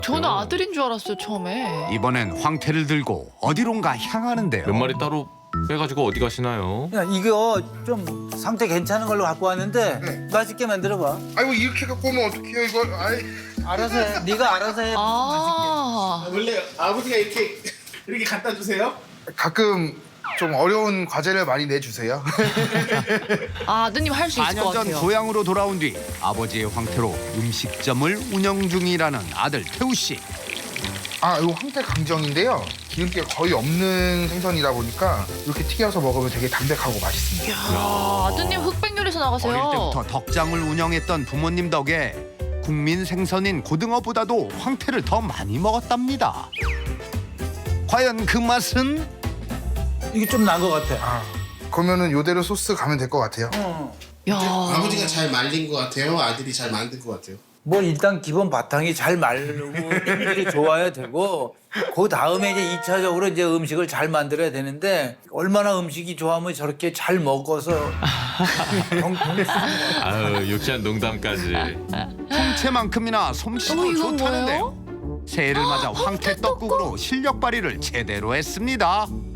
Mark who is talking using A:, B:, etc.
A: 저는 아들인 줄 알았어요 처음에.
B: 이번엔 황태를 들고 어디론가 향하는데요.
C: 몇 마리 따로 빼가지고 어디 가시나요?
D: 야, 이거 좀 상태 괜찮은 걸로 갖고 왔는데 맛있게 만들어봐.
E: 아이고 이렇게 갖고 오면 어떡해요 이걸. 아이.
D: 알아서 해. 네가 알아서 해.
A: 아,
F: 원래 아버지가 이렇게 갖다 주세요?
E: 가끔 좀 어려운 과제를 많이 내주세요.
A: 아드님 할 수 있을 것
B: 4년 전
A: 같아요.
B: 고향으로 돌아온 뒤 아버지의 황태로 음식점을 운영 중이라는 아들 태우 씨.
E: 아 이거 황태 강정인데요. 기름기가 거의 없는 생선이다 보니까 이렇게 튀겨서 먹으면 되게 담백하고 맛있습니다.
A: 야, 아드님 흑백 요리사 나가세요.
B: 어릴 때부터 덕장을 운영했던 부모님 덕에 국민 생선인 고등어보다도 황태를 더 많이 먹었답니다. 과연 그 맛은?
D: 이게 좀 난 것 같아.
E: 아 그러면은 요대로 소스 가면 될 것 같아요.
A: 야,
F: 아버지가 잘 말린 것 같아요? 아들이 잘 만든 것 같아요?
D: 뭐 일단 기본 바탕이 잘 마르고 품질이 좋아야 되고 그 다음에 이제 2차적으로 이제 음식을 잘 만들어야 되는데 얼마나 음식이 좋아하면 저렇게 잘 먹어서
C: 아유 유치한 농담까지.
B: 홍채만큼이나 솜씨도
A: 이건
B: 좋다는데요. 새해를 맞아 황태 떡국으로 실력 발휘를 제대로 했습니다.